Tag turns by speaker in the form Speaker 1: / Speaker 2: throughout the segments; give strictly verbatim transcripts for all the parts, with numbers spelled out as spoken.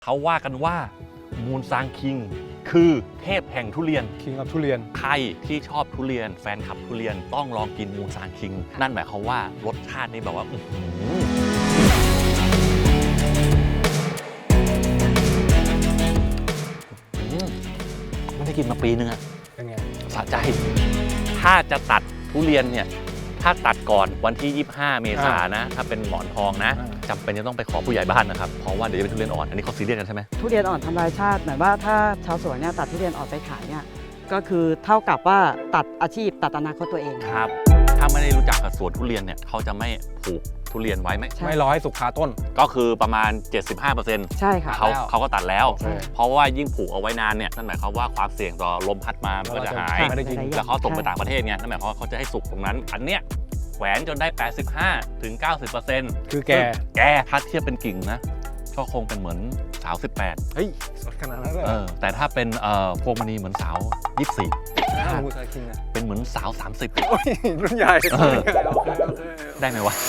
Speaker 1: เขาว่ากันว่ามูนซางคิงคือเทพแห่งทุเรียน
Speaker 2: คิงกับทุเรียน
Speaker 1: ใครที่ชอบทุเรียนแฟนคลับทุเรียนต้องลองกินมูนซางคิงนั่นหมายความว่ารสชาตินี่แบบว่าอื้อหือไม่ได้กินมาปีนึงอะ
Speaker 2: เป็นไง
Speaker 1: สะใจถ้าจะตัดทุเรียนเนี่ยถ้าตัดก่อนวันที่ยี่สิบห้าเมษายนนะถ้าเป็นหมอนทองนะจำเป็นจะต้องไปขอผู้ใหญ่บ้านนะครับเพราะว่าเดี๋ยวจะเป็นทุเรียนอ่อนอันนี้เขาซีเรียสกันใช่ไหม
Speaker 3: ทุเรียนอ่อนทำลายชาติหมายว่าถ้าชาวสวนเนี่ยตัดทุเรียนอ่อนไปขายเนี่ยก็คือเท่ากับว่าตัดอาชีพตัดอนาคตตัวเอง
Speaker 1: ครับถ้าไม่ได้รู้จักกับสวนทุเรียนเนี่ยเขาจะไม่ผูกทุเรียนไว้ไหม
Speaker 2: ไม่รอให้สุกคาต้น
Speaker 1: ก็คือประมาณ เจ็ดสิบห้าเปอร์เซ็นต์
Speaker 3: ใช่ค่ะ
Speaker 1: เขาเขาก็ตัดแล้วเพราะว่ายิ่งผูกเอาไว้นานเนี่ยนั่นหมายความว่าความเสี่ยงต่อลมพัดมามันก็จะหายแล้วเขาส่งไปต่างประเทศไงนั่นหมายความว่าเขาจะให้สุกตรงนั้นอันเนี้ยแขวนจนได้ แปดสิบห้าถึงเก้าสิบเปอร์เซ็นต์
Speaker 2: คือแก
Speaker 1: แกถ้าเทียบเป็นกิ่งนะก็คงเป็นเหมือนสาวสิบแปด
Speaker 2: เฮ้ยสดขนาดนั้นเลย
Speaker 1: เออแต่ถ้าเป็นเอ่อพวงมณีเหมือนสาวยี่สิบสี่
Speaker 2: มูนซางคิงอ่ะ
Speaker 1: เป็นเหมือนสาวสามสิบ
Speaker 2: โอ้ยรุ่นใหญ่
Speaker 1: ได้ไหมวะ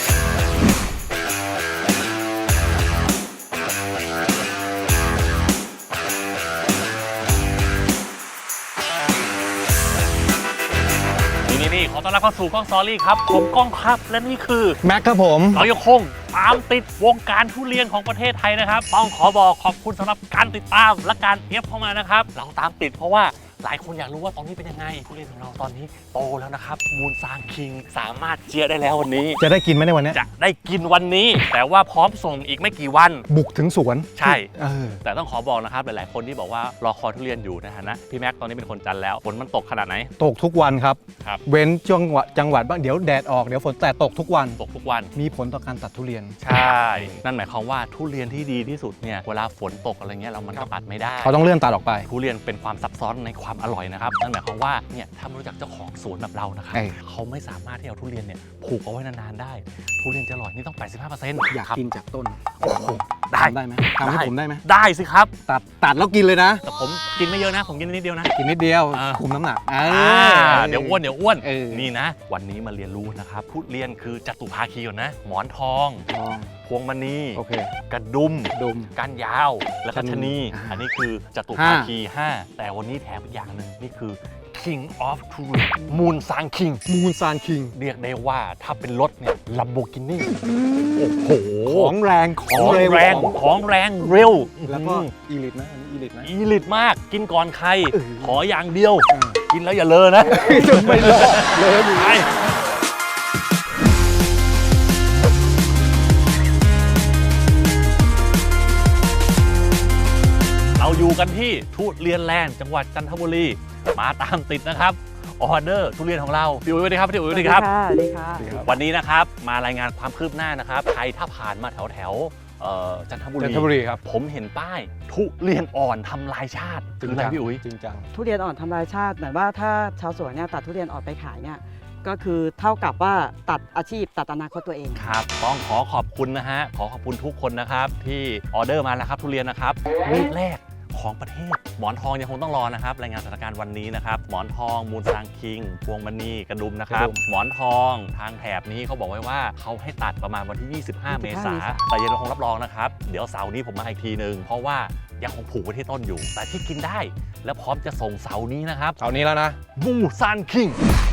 Speaker 1: นี่ขอต้อนรับเข้าสู่กล้องสตอรี่ครับผมก้องครับและนี่คือ
Speaker 2: แม็กครับผม
Speaker 1: เรายังคงตามติดวงการทุเรียนของประเทศไทยนะครับต้องขอบอกขอบคุณสำหรับการติดตามและการเอฟเข้ามานะครับเราตามติดเพราะว่าหลายคนอยากรู้ว่าตอนนี้เป็นยังไงทุเรียนของเราตอนนี้โตแล้วนะครับมูนซางคิงสามารถเจียได้แล้ววันนี้
Speaker 2: จะได้กินไหมในวันนี้
Speaker 1: จะได้กินวันนี้แต่ว่าพร้อมส่งอีกไม่กี่วัน
Speaker 2: บุกถึงสวน
Speaker 1: ใช่แต่ต้องขอบอกนะครับหลายๆคนที่บอกว่ารอคอยทุเรียนอยู่นะฮะนะพี่แม็กตอนนี้เป็นคนจันทร์แล้วฝนมันตกขนาดไหน
Speaker 2: ตกทุกวันครับ
Speaker 1: ครับ
Speaker 2: เว้นจังหวัดจังหวัดบ้างเดี๋ยวแดดออกเดี๋ยวฝนแต่ตกทุกวัน
Speaker 1: ตกทุกวัน
Speaker 2: มีผลต่อการตัดทุเรียน
Speaker 1: ใช่นั่นหมายความว่าทุเรียนที่ดีที่สุดเนี่ยเวลาฝนตกอะไรเงี้ยเรามันก็ตัดไม่ได้
Speaker 2: เขาต้องเลื่อนตัดออกไป
Speaker 1: ทุเรียนเป็นความซับซ้อนในความอร่อยนะครับนั่นหมายความว่าเนี่ยถ้าไม่รู้จักเจ้าของสวนแบบเรานะครับเขาไม่สามารถที่เอาทุเรียนเนี่ยผูกเอาไว้นานๆได้ทุเรียนจะอร่อยนี่ต้อง แปดสิบห้าเปอร์เซ็นต์
Speaker 2: อยากกินจากต้น
Speaker 1: ได้
Speaker 2: ได้ไหมทำให้ผมได้ไหม
Speaker 1: ได้สิครับ
Speaker 2: ตัดตัดแล้วกินเลยนะ
Speaker 1: แต่ผมกินไม่เยอะนะผมกินนิดเดียวนะ
Speaker 2: กินนิดเดียวคุมน้ำหนัก
Speaker 1: เดี๋ยวอ้วนเดี๋ยวอ้วนนี่นะวันนี้มาเรียนรู้นะครับทุเรียนคือจตุภาคีก่อนนะหมอนทองพวงมณีกระดุมก้านยาวและก็ชะนีอันนี้คือจตุภาคีห้าแต่วันนี้แถมอีกอย่างหนึ่งนี่คือ King of Turin มูนซางคิง
Speaker 2: มูนซางคิง
Speaker 1: เรียกได้ว่าถ้าเป็นรถเนี่ยลัมโบกินี่โอ้โห
Speaker 2: ของแรง
Speaker 1: ของแรงของแรงเร็ว
Speaker 2: แล้วก็อีลิทนะอีลิทนะ
Speaker 1: อีลิทมากกินก่อนใครขออย่างเดียวกินแล้วอย่าเลอะนะ
Speaker 2: จนไม่เลอะเลอะอยู่
Speaker 1: เราอยู่กันที่ทุเรียนแลนด์จังหวัดจันทบุรีมาตามติดนะครับออเดอร์ทุเรียนของเราพี่อุ๋ยสวัสดีครับพี่อุ๋ยสวัสดีครับ
Speaker 3: สวัสดีค่ะ
Speaker 1: วันนี้นะครับมารายงานความคืบหน้านะครับใครถ้าผ่านมาแถวแถวจันทบุรี
Speaker 2: จันทบุรีครับ
Speaker 1: ผมเห็นป้ายทุเรียนอ่อนทำลายชาติ
Speaker 2: จริง
Speaker 1: จังพี่อุ๋ย
Speaker 2: จริงจัง
Speaker 3: ทุเรียนอ่อนทำลายชาติหมายว่าถ้าชาวสวนเนี่ยตัดทุเรียนอ่อนไปขายเนี่ยก็คือเท่ากับว่าตัดอาชีพตัดอนาคตตัวเอง
Speaker 1: ครับต้องขอขอบคุณนะฮะขอขอบคุณทุกคนนะครับที่ออเดอร์มาแล้วครับทุเรียนนะครับลูกแรกของประเทศหมอนทองยังคงต้องรอนะครับรายงานสถานการณ์วันนี้นะครับหมอนทองมูนซางคิงพวงมณีกระดุมนะครับหมอนทองทางแถบนี้เขาบอกไว้ว่าเขาให้ตัดประมาณวันที่ยี่สิบห้าเมษายนแต่ยังคงรับรองนะครับเดี๋ยวเสาร์นี้ผมมาอีกทีนึงเพราะว่ายังคงผูกไว้ที่ต้นอยู่แต่ที่กินได้และพร้อมจะส่งเสาร์นี้นะครับ
Speaker 2: เสาร์นี้แล้วนะ
Speaker 1: มูนซางคิง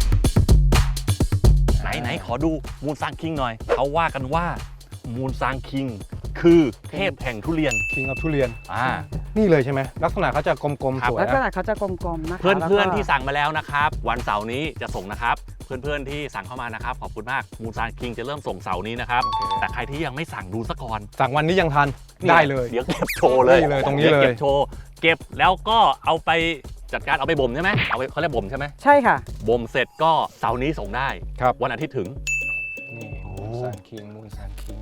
Speaker 1: ไหนไหนขอดูมูนซางคิงหน่อยเขาว่ากันว่ามูนซางคิงคือเทพแห่งทุเรียน
Speaker 2: คิงกับทุเรียน
Speaker 1: อ่า
Speaker 2: นี่เลยใช่ไหมลักษณะเขาจะกลมๆสวย
Speaker 3: ลักษณะเขาจะกลมๆนะคะ
Speaker 1: เพื่อนๆที่สั่งมาแล้วนะครับวันเสาร์นี้จะส่งนะครับเพื่อนๆที่สั่งเข้ามานะครับขอบคุณมากมูนซางคิงจะเริ่มส่งเสาร์นี้นะครับแต่ใครที่ยังไม่สั่งดูซะก่อน
Speaker 2: สั่งวันนี้ยังทันได้เลย
Speaker 1: เดี๋ยวเก็บโชว์เลย
Speaker 2: เลยตรงนี้เลย
Speaker 1: เก็บโชว์เก็บแล้วก็เอาไปจัดการเอาไปบ่มใช่ไหมเอาไปเขาเรียกบ่มใช่ไหม
Speaker 3: ใช่ค่ะ
Speaker 1: บ่มเสร็จก็เสาร์นี้ส่งได้
Speaker 2: ครับ
Speaker 1: วันอาทิตย์ถึง
Speaker 2: นี่มูนซางคิงมูนซางคิง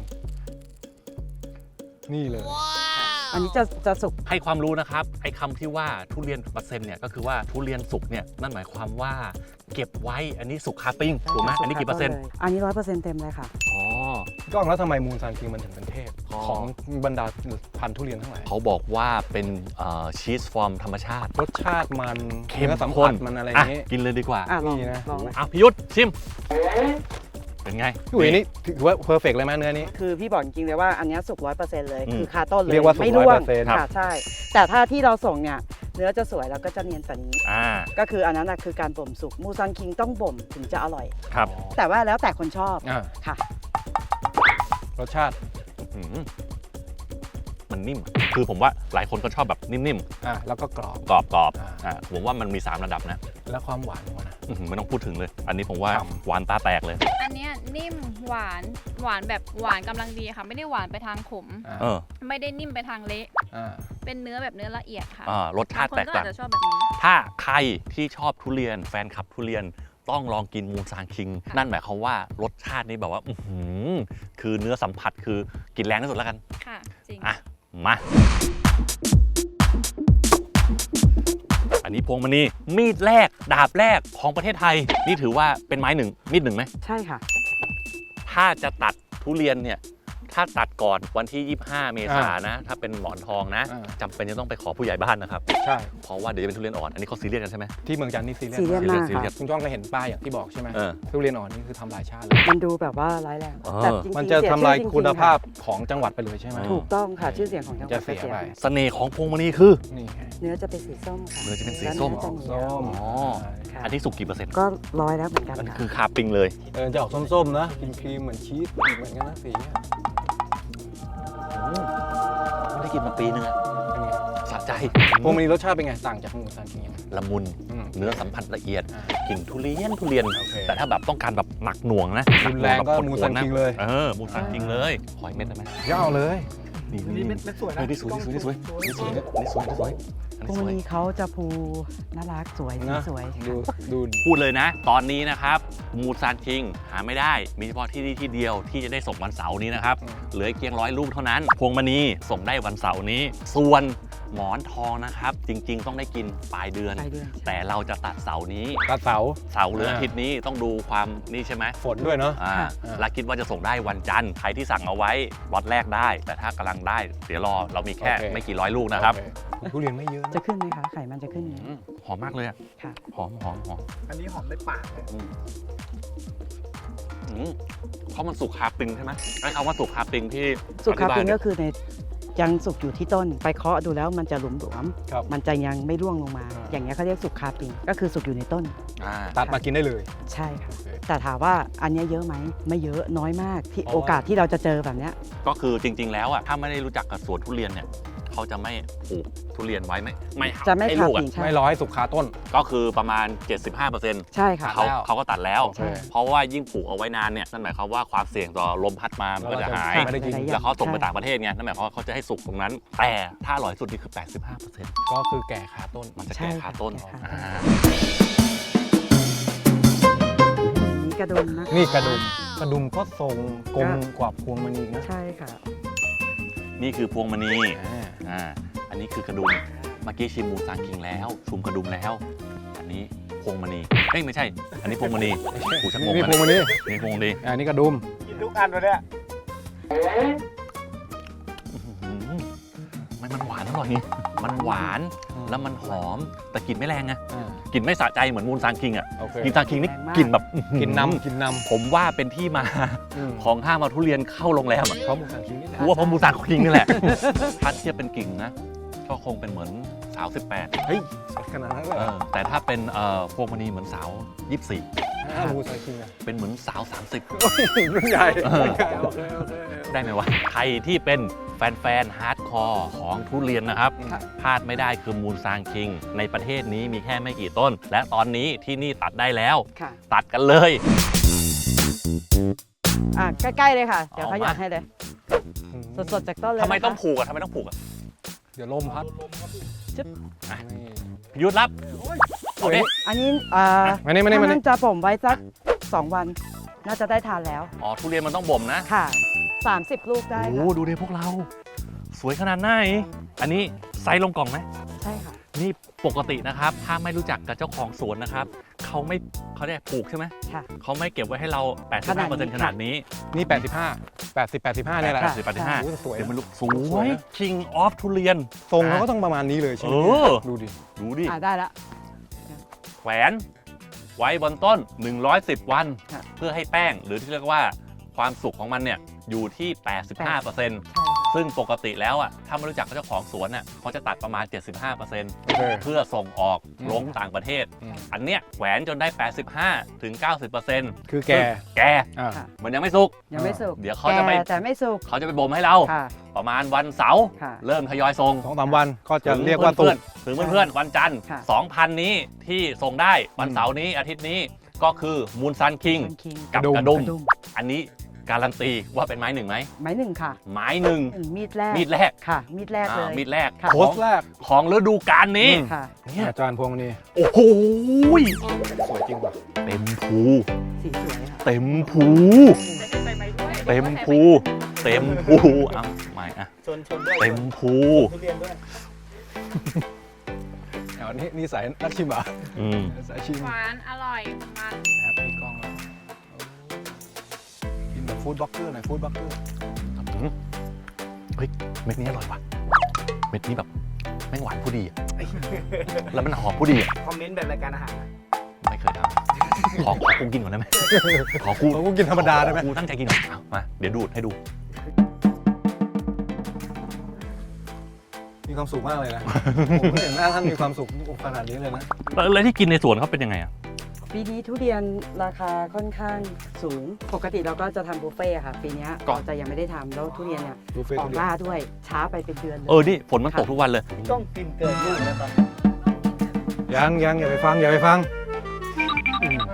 Speaker 2: นี่เลย
Speaker 3: อันนี้จะจะสุก
Speaker 1: ให้ความรู้นะครับไอ้คำที่ว่าทุเรียนเปอร์เซ็นต์เนี่ยก็คือว่าทุเรียนสุกเนี่ยนั่นหมายความว่าเก็บไว้อันนี้สุกคาปิ้งถูกไหมอันนี้กี่เปอร์เซ็นต์
Speaker 3: อันนี้ร้อยเปอร์เซ็นต์เต็มเลยค่ะ
Speaker 1: อ๋อ
Speaker 2: ก็แล้วทำไมมูนซางคิงมันถึงเป็นเทพของบรรดาพันธุ์ทุเรียนทั้งหลาย
Speaker 1: เขาบอกว่าเป็นชีสฟอร์มธรรมชาติ
Speaker 2: รสชาติมัน
Speaker 1: เค็ม
Speaker 2: สัมผัสมันอะไรอย่างนี้
Speaker 1: กินเลยดีกว่า
Speaker 3: นี่นะ
Speaker 1: อ่ะพี่ยุทธชิมเป็นไง
Speaker 2: พี่อุ๋ยนี่ถือว่าเพอร์เฟกเลยไหมเนื้อนี้
Speaker 3: คือพี่บอกจริงๆเลยว่าอันเนี้ยสุกร้อยเปอร์เซ็นต์เลย
Speaker 1: อืม
Speaker 3: คือคาต้นเลย
Speaker 2: เรียกว่าสุก
Speaker 3: ไม่ร่วง
Speaker 2: ร้อยเปอร์เซ็นต์
Speaker 3: ค่ะใช่ แต่ถ้าที่เราส่งเนี่ยเนื้อจะสวยแล้วก็จะเนียนกว่านี้
Speaker 1: อ่า
Speaker 3: ก็คืออันนั้นนะคือการบ่มสุกมูซันคิงต้องบ่มถึงจะอร่อย
Speaker 1: ครับ
Speaker 3: แต่ว่าแล้วแต่คนชอบ
Speaker 2: อ่า
Speaker 3: ค่ะ
Speaker 2: รสชาติ
Speaker 1: อืมมันนิ่ม คือผมว่าหลายคนก็ชอบแบบนิ่ม
Speaker 2: อ่าแล้วก็กรอบ
Speaker 1: ๆ กรอบ
Speaker 2: อ่า
Speaker 1: ๆอ่าผมว่ามันมีสามระดับนะ
Speaker 2: แล้วความหวานของมันนะ
Speaker 1: อื้อหือไม่ต้องพูดถึงเลย อันนี้ผมว่า
Speaker 2: ครับ
Speaker 1: หวานตาแตกเลย
Speaker 4: อันเนี้ยนิ่มหวานหวานแบบหวานกำลังดีค่ะ ไม่ได้หวานไปทางขม
Speaker 2: อ่า
Speaker 1: เออ
Speaker 4: ไม่ได้นิ่มไปทางเละ
Speaker 2: อ่า
Speaker 4: เป็นเนื้อแบบเนื้อละเอียดค่ะ
Speaker 1: อ่ารสชาติ
Speaker 4: บงคน
Speaker 1: แตก
Speaker 4: ก็
Speaker 1: ต่า
Speaker 4: อาง จจะชอบแบบนี้
Speaker 1: ถ้าใครที่ชอบทุเรียนแฟนคลับทุเรียนต้องลองกินมูซานคิง
Speaker 4: ค่ะ
Speaker 1: นั่นหมายความว่ารสชาตินี้แบบว่าอื้อหือคือเนื้อสัมผัสคือกินแรงที่สุดแล้วกัน
Speaker 4: ค่ะ จริง
Speaker 1: อ่ะ มา อันนี้พวงมณีมีดแรก ดาบแรกของประเทศไทย นี่ถือว่าเป็นไม้หนึ่งมีดหนึ่งไหม
Speaker 3: ใช่ค่ะ
Speaker 1: ถ้าจะตัดทุเรียนเนี่ย ถ้าตัดก่อนวันที่ ยี่สิบห้า เมษายนนะ ถ้าเป็นหมอนทองนะ
Speaker 2: อ่า
Speaker 1: จำเป็นจะต้องไปขอผู้ใหญ่บ้านนะครับ
Speaker 2: ใช่
Speaker 1: เพราะว่าเดี๋ยวจะเป็นทุเรียนอ่อน อันนี้เขาซีเรียสกันใช่ไหม
Speaker 2: ที่เมืองจันทร์นี่ซีเรียส
Speaker 3: ซีเรียส
Speaker 2: มาก
Speaker 3: มาก
Speaker 1: ซีเรีย
Speaker 3: ค่ะ
Speaker 1: ส
Speaker 2: คุณจ้องก็เห็นป้ายอย่างที่บอกใช่ไหม
Speaker 1: เออ
Speaker 2: ทุเรียนอ่อนนี่คือทำลายชาติเลย
Speaker 3: มันดูแบบว่าร้ายแรง
Speaker 1: เออ
Speaker 3: แต่จริงๆ
Speaker 2: มันจะ
Speaker 3: เสีย
Speaker 2: ทำลาย
Speaker 3: ชื่อจริงๆ
Speaker 2: คุณภาพ
Speaker 3: ะ
Speaker 2: ของจังหวัดไปเลยใช่ไหม
Speaker 3: ถูกต้องค่ะชื่อเสียงของจังหวัด
Speaker 2: จะเสีย
Speaker 3: ก็
Speaker 2: ไป
Speaker 1: เสน่ห์ของพวงมณีคือ
Speaker 2: นี่ไง
Speaker 3: เนื้อจะเป็นสีส้มค่ะ
Speaker 1: เนื้อจะเป็นสี
Speaker 3: แล้ว
Speaker 1: ส้ม
Speaker 3: เนื้อจะเหนียว
Speaker 2: ส้ม
Speaker 1: อ๋อ
Speaker 3: ค่ะ
Speaker 1: อันที่สุกกี่เปอร์เซ็นต์
Speaker 3: ก็ร้อยแล้วเหมือนกัน
Speaker 1: มัน
Speaker 3: ค่ะ
Speaker 1: คือคาปิงเลย
Speaker 2: เออจะออกส้มๆนะกินครีมเหมือนชีสเหมือนกันนะสีอะ
Speaker 1: อืมไม่ได้กินมาปีนึงอะ
Speaker 2: เป็นไง
Speaker 1: สะใจ
Speaker 2: พวงมณีรสชาติเป็นไงต่างจากหมูซานคิงยังไง
Speaker 1: ละมุน
Speaker 2: อืม
Speaker 1: เนื้อสัมผัสละเอียด
Speaker 2: อ่า
Speaker 1: กลิ่นทุเรียนทุเรียน
Speaker 2: โอเค
Speaker 1: แต่ถ้าแบบต้องการแบบหนักหน่วงนะ
Speaker 2: รุนแรงก็
Speaker 1: หนั
Speaker 2: มู
Speaker 1: หว
Speaker 2: ซาน
Speaker 1: นะ
Speaker 2: คิงเลย
Speaker 1: เออมูซานคิงเลยขอยเม็ดได้ไหม
Speaker 2: ยาวเลย
Speaker 1: นี่
Speaker 2: นี่เม็ดเม็ดสวยนะ
Speaker 1: เฮ้ยนี่สวยนี่สวยนี่สวยนี่สวยนี่สวยอัน
Speaker 3: พว
Speaker 1: นี้
Speaker 3: ก
Speaker 1: สวย
Speaker 3: นี้เขาจะภูน่ารักสวยสี
Speaker 2: นะ
Speaker 3: สวย
Speaker 2: ดูดู
Speaker 1: พูดเลยนะ ตอนนี้นะครับมูซานคิงหาไม่ได้มีเฉพาะที่นี่ที่เดียวที่จะได้ส่งวันเสาร์นี้นะครับ
Speaker 2: อืม
Speaker 1: เหลือเพียงร้อยลูกเท่านั้น พวงมณีส่งได้วันเสาร์นี้ ส่วนหมอนทองนะครับ จริง ๆ ต้องได้กินปลายเดือน
Speaker 3: ปลายเดือน
Speaker 1: แต่เราจะตัดเสาร์นี้
Speaker 2: ตัดเสา
Speaker 1: เสาร์หรืออาทิตย์นี้ต้องดูความนี่ใช่ไหม
Speaker 2: ฝนด้วยเนาะ
Speaker 1: อ่า
Speaker 3: ค่ะ
Speaker 1: แล้วคิดว่าจะส่งได้วันจันทร์ใครที่สั่งเอาไว้ล็อตแรกได้ แต่ถ้ากำลังได้ เดี๋ยวรอเรามีแค่
Speaker 2: โอเค
Speaker 1: ไม่กี่ร้อยลูกนะครับ
Speaker 2: โอเคทุเรียนไม่เยอะนะ
Speaker 3: จะขึ้นไหมคะไข่มันจะขึ้นไหม
Speaker 1: อืมหอมมากเลยอะ
Speaker 3: ค่ะ
Speaker 1: หอมหอมหอม
Speaker 5: อันนี้หอมในปากเลย
Speaker 1: อืมอืมเพราะมันสุกคาปิงใช่ไหมไอ้คำว่าสุกคาปิงที่
Speaker 3: สุกคาปิง
Speaker 1: อธิบย
Speaker 3: ก็คือในยังสุกอยู่ที่ต้น ไปเคาะดูแล้วมันจะหลุมหลวม
Speaker 2: ครับ
Speaker 3: มันจะยังไม่ร่วงลงมา
Speaker 2: อ่า
Speaker 3: อย่างเงี้ยเขาเรียกสุกคาปิงก็คือสุกอยู่ในต้น
Speaker 1: อ่า
Speaker 2: ตัดมากินได้เลย
Speaker 3: ใช่ค่ะ
Speaker 2: โอเค
Speaker 3: แต่ถามว่าอันเนี้ยเยอะไหมไม่เยอะน้อยมากที่
Speaker 2: เพราะว่า
Speaker 3: โอกาสที่เราจะเจอแบบเนี้ย
Speaker 1: ก็คือจริง ๆ แล้วอ่ะถ้าไม่ได้รู้จักกับสวนทุเรียนเนี่ยเขาจะไม่ปลูกทุเรียนไว้ไม่ไม่
Speaker 3: จะไม่
Speaker 1: ให้
Speaker 3: คา
Speaker 1: ลูก
Speaker 3: ปิ
Speaker 1: อ่ะ
Speaker 3: งใช่
Speaker 2: ไม่รอให้สุกคาต้น
Speaker 1: ก็คือประมาณ เจ็ดสิบห้าเปอร์เซ็นต์
Speaker 3: ใช่ค่ะ
Speaker 1: เขา
Speaker 2: ตัดแล้ว
Speaker 1: เขาก็ตัดแล้ว
Speaker 2: โอเค
Speaker 1: เพราะว่ายิ่งปลูกเอาไว้นานเนี่ยนั่นหมายความว่าความเสี่ยงต่อลมพัดมามันก็จะหาย
Speaker 2: ไม่ได้กิน
Speaker 3: หลายๆอย่
Speaker 1: แล้วเขาส่งไป
Speaker 3: ใช่
Speaker 1: ต่างประเทศไงนั่นหมายความว่าเขาจะให้สุกตรงนั้น แต่ถ้าอร่อยสุดนี่คือ แปดสิบห้าเปอร์เซ็นต์
Speaker 2: ก็คือแก่คาต้น
Speaker 1: มันจะ
Speaker 3: ใช่
Speaker 1: แก่คา
Speaker 3: ค่ะ
Speaker 1: ต้น
Speaker 3: แก่คาต้น
Speaker 1: อ่า
Speaker 3: นี่กระดุมนะคะ
Speaker 2: นี่กระดุมกระดุมก็ทรงกลมกว่าพวงมณีนะ
Speaker 3: ใช่ค่ะ
Speaker 1: นี่คือพวงมณี
Speaker 2: อ่า
Speaker 1: อ่าอันนี้คือกระดุมเมื่อกี้ชิมมูซานคิงแล้วชุมกระดุมแล้ว อันนี้พวงมณีเอ้ยไม่ใช่ อันนี้พวงมณีผูชักงง
Speaker 2: นี่
Speaker 1: อัน
Speaker 2: พวงมณี
Speaker 1: นี้พวงมณี
Speaker 2: อ่านี่กระดุม
Speaker 5: กินทุกอันเลยเนี่ย
Speaker 1: อื้อหือมันมันหวานอร่อยนี่มันหวานแล้วมันหอมแต่กลิ่นไม่แรงไง
Speaker 2: อ่าก
Speaker 1: ลิ่นไม่สะใจเหมือนมูนซานคิงอ่ะ
Speaker 2: โอเค
Speaker 1: กินซานคิงนี่
Speaker 3: แรงมาก
Speaker 1: กลิ่นแบบอื้อหือ
Speaker 2: กินน้ำกินน้
Speaker 1: ผมว่าเป็นที่มา
Speaker 2: ำอืม
Speaker 1: ของห้ามเอาทุเรียนเข้าโรงแรมอ่ะ
Speaker 2: เพราะหมูสันคิงนี่แหละ
Speaker 1: กูว่าเพราะมูนซานคิงนี่แหละ ถ้าเทียบเป็นกิ่งนะก็คงเป็นเหมือนสาวสิบแปด
Speaker 2: เฮ้ยขนาดนั้นเลย
Speaker 1: เออแต่ถ้าเป็นเอ่อพวงมณีเหมือนสาวยี่สิบสี่
Speaker 2: อ่าหมูสันคิงอะ
Speaker 1: เป็นเหมือนสาวสามสิบ
Speaker 2: รุ่นใหญ่
Speaker 1: เออ
Speaker 2: โอเคโอเค
Speaker 1: ได้ไหมวะใครที่เป็นแฟนๆฮาร์ดคอร์ของทุเรียนนะครับ
Speaker 2: ครับ
Speaker 1: พลาดไม่ได้คือมูนซางคิง ในประเทศนี้มีแค่ไม่กี่ต้น และตอนนี้ที่นี่ตัดได้แล้ว
Speaker 3: ค่ะ
Speaker 1: ตัดกันเลย
Speaker 3: อ่ะใกล้ๆเลยค่ะ เดี๋ยว
Speaker 1: เอา
Speaker 3: เขาหยอด
Speaker 1: มา
Speaker 3: ให้เลย สดๆจากต้นเลย
Speaker 1: ทำไม
Speaker 3: นะคะ
Speaker 1: ต้องผูกอะทำไมต้องผูกอะ
Speaker 2: เดี๋ยวลมพัด
Speaker 3: จึ๊บ
Speaker 2: นี่
Speaker 1: หยุดรับโอเค
Speaker 3: อันนี้อ่า
Speaker 2: มานี่มานี่มา
Speaker 3: ถ้า
Speaker 2: นี่
Speaker 3: มันจะผมไว้สักสองวัน น่าจะได้ทานแล้ว
Speaker 1: อ๋อทุเรียนมันต้องบ่มนะ
Speaker 3: ค่ะ สามสิบ ลูกได้
Speaker 1: โอ้
Speaker 3: ค่ะ
Speaker 1: ดูดิพวกเรา สวยขนาดไหนอันนี้ไซส์ลงกล่องไหม
Speaker 3: ใช่ค่ะ
Speaker 1: นี่ปกตินะครับ ถ้าไม่รู้จักกับเจ้าของสวนนะครับเขาไม่เขาเรียกปลูกใช่ไหม
Speaker 3: ค่ะ
Speaker 1: เขาไม่เก็บไว้ให้เรา แปดสิบห้าเปอร์เซ็นต์ ข
Speaker 3: ข
Speaker 1: นา
Speaker 3: นา
Speaker 1: ด
Speaker 3: ดนี้
Speaker 1: นี้
Speaker 2: นี่แปดสิบห้า แปดสิบ แปดสิบห้าเนี่ยแหละ
Speaker 1: แปดสิบ แปดสิบห้า
Speaker 2: โอ้โหสวย
Speaker 1: เดี๋ยวมันลุกส
Speaker 2: ส
Speaker 1: ว
Speaker 2: วย
Speaker 1: ย
Speaker 2: นะ
Speaker 1: King of ทุเรียน
Speaker 2: ทรงเขาก็ต้องประมาณนี้เลยใช่ไหม
Speaker 1: เออ
Speaker 2: ดูดิ
Speaker 1: ดูดิ
Speaker 3: อ่าได้ละ
Speaker 1: แขวนไว้บนต้น หนึ่งร้อยสิบ วัน
Speaker 3: ค่ะ
Speaker 1: เพื่อให้แป้งหรือที่เรียกว่าความสุกของมันเนี่ยอยู่ที่ แปดสิบห้าเปอร์เซ็นต์
Speaker 3: ใช่ค่ะ
Speaker 1: ซึ่งปกติแล้วอ่ะถ้าไม่รู้จักเจ้าของสวนอ่ะเขาจะตัดประมาณ เจ็ดสิบห้าเปอร์เซ็นต์
Speaker 2: โอเค
Speaker 1: เพื่อส่งออก
Speaker 2: อืม
Speaker 1: ลงต่างประเทศ
Speaker 2: อืม
Speaker 1: อันเนี้ยแหวนจนได้ แปดสิบห้าถึงเก้าสิบเปอร์เซ็นต์
Speaker 2: คือแก
Speaker 1: แก
Speaker 2: อ่า
Speaker 3: ค่ะ
Speaker 1: มันยังไม่สุก
Speaker 3: ยังไม่สุก
Speaker 1: เดี๋ยวเขาจะไป
Speaker 3: แก่แต่ไม่สุก
Speaker 1: เขาจะไปบ่มให้เรา
Speaker 3: ค่ะ
Speaker 1: ประมาณวันเสาร์
Speaker 3: ค่ะ
Speaker 1: เริ่มทยอยส่ง
Speaker 2: สองสามวันก็จะเรียกว่าตุ
Speaker 1: เพื่
Speaker 2: ก
Speaker 1: อนๆถึงเพื่อนๆวันจันทร์
Speaker 3: ค่ะ
Speaker 1: สองพัน นี้ที่ส่งได้วัน
Speaker 2: อืม
Speaker 1: เสาร์นี้อาทิตย์นี้ก็คือมูนซันคิง
Speaker 3: มันคิง
Speaker 1: กับ
Speaker 2: ก
Speaker 1: ก
Speaker 2: ระ
Speaker 1: ระ
Speaker 2: ดุ
Speaker 1: ดุ
Speaker 2: ม
Speaker 1: ม
Speaker 3: กระดุม
Speaker 1: อันนี้การันตีว่าเป็นไม้หนึ่งไหม
Speaker 3: ไม้หนึ่งค่ะ
Speaker 1: ไม้หนึ่ง
Speaker 3: อืมมีดแรก
Speaker 1: มีดแรก
Speaker 3: ค่ะ มีดแรกเล
Speaker 1: อ่าย มีดแรก
Speaker 3: ค่ะ
Speaker 2: โพสต์แรก
Speaker 1: ของฤดูกาลนี้
Speaker 2: อืม
Speaker 3: ค่ะ
Speaker 1: เนี่ย
Speaker 2: อาจารย์พวงนี้
Speaker 1: โอ้โห
Speaker 2: สวยจริงว่ะ
Speaker 1: เต็มภู
Speaker 3: สีสวยค่ะ
Speaker 1: เต็มภูเต็มภูเต็มภูเอาไม่อะ
Speaker 5: ชนชนด้วย
Speaker 1: เต็มภู
Speaker 5: ทุเรียนด้วย
Speaker 2: เอานี่นี่สายนักชิมเหรอ่ะ
Speaker 1: อืม
Speaker 2: สายชิม
Speaker 4: หวานอร่อยมัน
Speaker 2: นะครับมีกล้องแล้วกินแบบฟู้ดบล็อกเกอร์หน่อยฟู้ดบล็อกเกอร์
Speaker 1: เฮ้ยเม็ดนี้อร่อยว่ะเม็ดนี้แบบแม่งหวานผู้ดีอะแล้วมันหอมผู้ดีอะ
Speaker 5: คอมเมนต์แบบรายการอาหารนะ
Speaker 1: ไม่เคยทำขอขอกูกินก่อนได้ไหมขอกู
Speaker 2: เขาก็กินธรรมดาได้ไหม
Speaker 1: กูตั้งใจกินก่อนเอามาเดี๋ยวดูดให้ดู
Speaker 2: มีความสุขมากเลยนะ ผมไม่เห็นหน้าท่านมีความสุขขนาดนี้เลยนะ
Speaker 1: แล้วแล้วที่กินในสวนเขาเป็นยังไงอ่ะ
Speaker 3: ปีนี้ทุเรียนราคาค่อนข้างสูง ปกติเราก็จะทำบุฟเฟ่ต์อะค่ะ ปีเนี้ย
Speaker 1: ก็
Speaker 3: เราจะยังไม่ได้ทำแล้วทุเรียนเนี่ย
Speaker 2: ดูเฟซ
Speaker 3: ออ
Speaker 2: ทุ
Speaker 3: ก
Speaker 2: เรียน
Speaker 3: ล่าด้วย ช้าไปเป็นเดือนเลย
Speaker 1: เออนี่ฝนมันตกทุกวันเลย
Speaker 5: ต้องกินเกินลูกนะตอน
Speaker 2: ยังยังอย่าไปฟังอย่าไปฟังอืม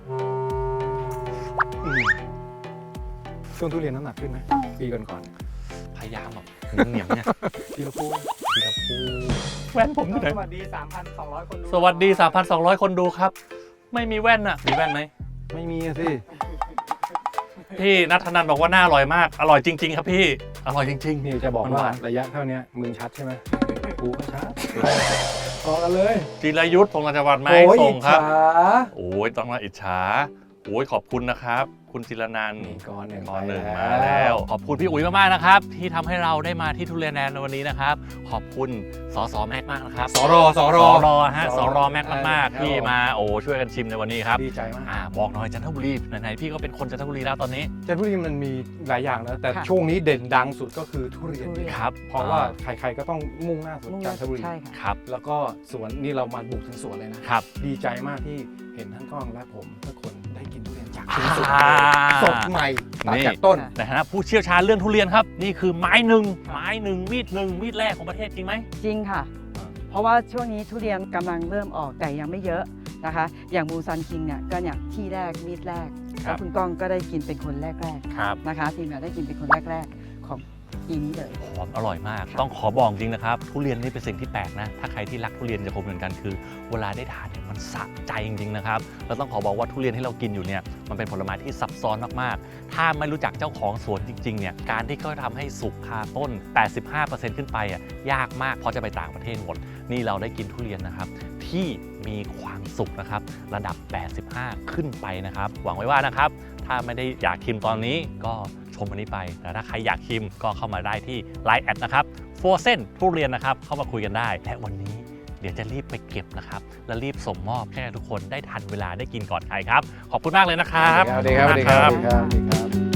Speaker 2: อืมช่วงทุเรียนน้ำหนักขึ้นไหมปีก่อนก่อน
Speaker 1: พยายามแบบเหนียมๆเนี่ย
Speaker 2: ๆทีละพู
Speaker 1: ทีละพูแว่นผมอยู่ไหน
Speaker 5: สวัสดี สามพันสองร้อย คนดู
Speaker 1: สวัสดี สามพันสองร้อย คนดูครับ ไม่มีแว่นอ่ะมีแว่นไหม
Speaker 2: ไม่มีอะสิ
Speaker 1: พี่นัทธนันบอกว่าน่าอร่อยมากอร่อยจริง ๆ ครับพี่อร่อยจริง
Speaker 2: นี่จะบอก
Speaker 1: มันหาน
Speaker 2: ว่าวระยะเท่านี้มึงชัดใช่ไหมกูก็ชัดพอกันเลย
Speaker 1: ๆจิรยุทธ์พงศ์จังหวัดไม้
Speaker 2: โอ้ย
Speaker 1: ส่งครับ
Speaker 2: อิจฉา
Speaker 1: โอ้ยต้องมาอิจฉาโอ้ยขอบคุณนะครับ คุณจิรนันท์
Speaker 2: นี่ก้อนหนึ่ง
Speaker 1: ก้อนหนึ่ง
Speaker 2: ไป
Speaker 1: มาแล้ว ขอบคุณพี่อุ๋ยมากๆนะครับ ที่ทำให้เราได้มาที่ทุเรียนแลนด์ในวันนี้นะครับ ขอบคุณสสแม็กมากนะครับ
Speaker 2: สรสร
Speaker 1: สรฮะ
Speaker 2: ส
Speaker 1: ส
Speaker 2: ร
Speaker 1: รแม็กมาก
Speaker 2: ครับ
Speaker 1: ๆที่มาโอ้ช่วยกันชิมในวันนี้ครับ
Speaker 2: ดีใจมาก
Speaker 1: อ่าบอกหน่อยจันทบุรีไหนๆพี่ก็เป็นคนจันทบุรีแล้วตอนนี้
Speaker 2: จันทบุรีมันมีหลายอย่างนะแต่
Speaker 3: ค่ะ
Speaker 2: ช่วงนี้เด่นดังสุดก็คือทุเรียน
Speaker 3: ทุเรียน
Speaker 1: ครับ
Speaker 2: เพราะว่าใครๆก็ต้องมุ่งหน้าสู่
Speaker 3: มุ่งห
Speaker 2: จั
Speaker 3: น้าน
Speaker 2: ทบุรี
Speaker 3: ใช่ค่ะ
Speaker 1: ครับ
Speaker 2: แล้วก็สวนนี่เรามาบุกถึงสวนเลยนะ
Speaker 1: ครับ
Speaker 2: ดีใจมากที่เห็นท่านก้องและผมทุกคนได้กินทุเรียนจาก
Speaker 1: อ่า
Speaker 2: ชิ้นสุดสดใหม่ตัด
Speaker 1: นี่
Speaker 2: จากต้น
Speaker 1: ในฐานะผู้เชี่ยวชาญเรื่องทุเรียนครับ นี่คือไม้หนึ่งไม้หนึ่งมีดหนึ่งมีดแรกของประเทศจริงไหม
Speaker 3: จริงค่ะ เพราะว่าช่วงนี้ทุเรียนกำลังเริ่มออกแต่ยังไม่เยอะนะคะ อย่างมูซันคิงเนี่ยก็เนี่ยที่แรกมีดแรก
Speaker 1: ครั
Speaker 3: แล้
Speaker 1: บ
Speaker 3: วคุณก้องก็ได้กินเป็นคนแรก
Speaker 1: ครับ
Speaker 3: ๆนะคะทีมงานได้กินเป็นคนแรกๆของปีนี้เลย
Speaker 1: หอมอร่อยมาก
Speaker 3: ค่ะ
Speaker 1: ต้องขอบอกจริงนะครับ ทุเรียนนี่เป็นสิ่งที่แปลกนะ ถ้าใครที่รักทุเรียนจะคงเหมือนกันคือ เวลาได้ทานเนี่ยมันสะใจจริงๆนะครับแล้วต้องขอบอกว่าทุเรียนที่เรากินอยู่เนี่ยมันเป็นผลไม้ที่ซับซ้อนมากๆ ถ้าไม่รู้จักเจ้าของสวนจริงๆเนี่ยการที่เขาทำให้สุกคาต้น แปดสิบห้าเปอร์เซ็นต์ ขึ้นไปอ่ะยากมากเพราะจะไปต่างประเทศหมด นี่เราได้กินทุเรียนนะครับที่มีความสุกนะครับระดับ แปดสิบห้า ขึ้นไปนะครับหวังไว้ว่านะครับถ้าไม่ได้อยากชิมตอนนี้ก็ชมอันนี้ไป แต่ถ้าใครอยากชิมก็เข้ามาได้ที่ ไลน์ แอดนะครับโฟเซนทุเรียนนะครับเข้ามาคุยกันได้และวันนี้เดี๋ยวจะรีบไปเก็บนะครับและรีบส่งมอบให้ทุกคนได้ทันเวลาได้กินก่อนใครครับขอบคุณมากเลยนะครับ
Speaker 2: สวัสดีครับสวัสดีครับสวัสดีครับสวัสดีครับ